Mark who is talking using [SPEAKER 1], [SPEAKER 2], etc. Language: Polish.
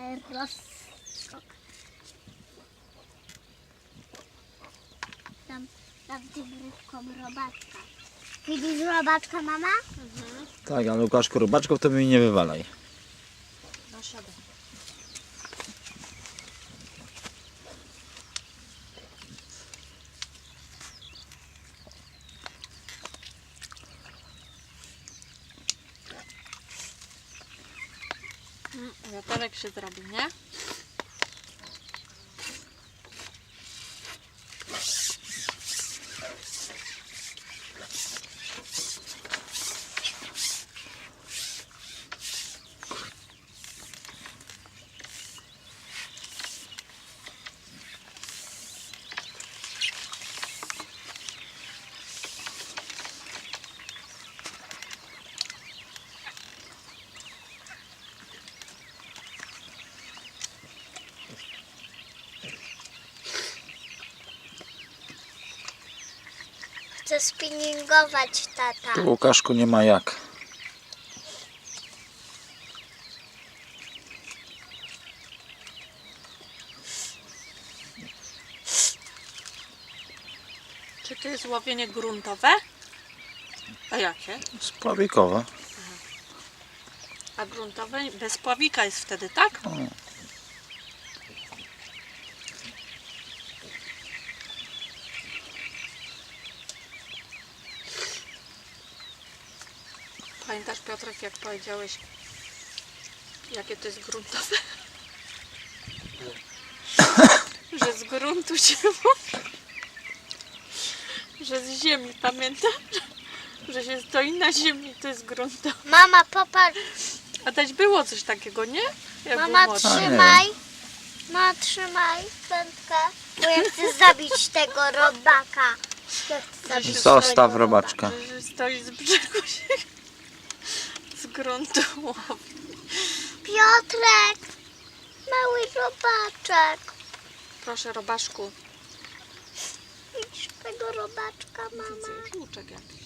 [SPEAKER 1] ale rozskok. Tam tym rybką robaczka. Widzisz robaczka, mama?
[SPEAKER 2] Tak, ale Łukaszku, robaczków to mi nie wywalaj.
[SPEAKER 3] No siadaj. Wiaterek się zrobi, nie?
[SPEAKER 1] Chcę spinningować, tata.
[SPEAKER 2] Tu, Łukaszku, nie ma jak.
[SPEAKER 3] Czy to jest łowienie gruntowe? A jakie?
[SPEAKER 2] Spławikowe.
[SPEAKER 3] A gruntowe bez pławika jest wtedy, tak?
[SPEAKER 2] O.
[SPEAKER 3] Pamiętasz, Piotrek, jak powiedziałeś, jakie to jest gruntowe? Że z gruntu się mówi. Że z ziemi, pamiętasz? Że się stoi na ziemi, to jest gruntowe.
[SPEAKER 1] Mama, popatrz.
[SPEAKER 3] A też było coś takiego, nie? Jak był
[SPEAKER 1] Mama,
[SPEAKER 3] młodszy.
[SPEAKER 1] trzymaj. Mama, trzymaj wędkę. Bo ja chcę zabić tego robaka. Ja chcę zabić
[SPEAKER 2] Zostaw
[SPEAKER 1] tego
[SPEAKER 2] robaczka.
[SPEAKER 3] Że stoi z brzegu się z gruntu łowi.
[SPEAKER 1] Piotrek! Mały robaczek.
[SPEAKER 3] Proszę, robaszku.
[SPEAKER 1] Widzisz tego robaczka, mama?
[SPEAKER 3] Widzę, żółczek jakiś.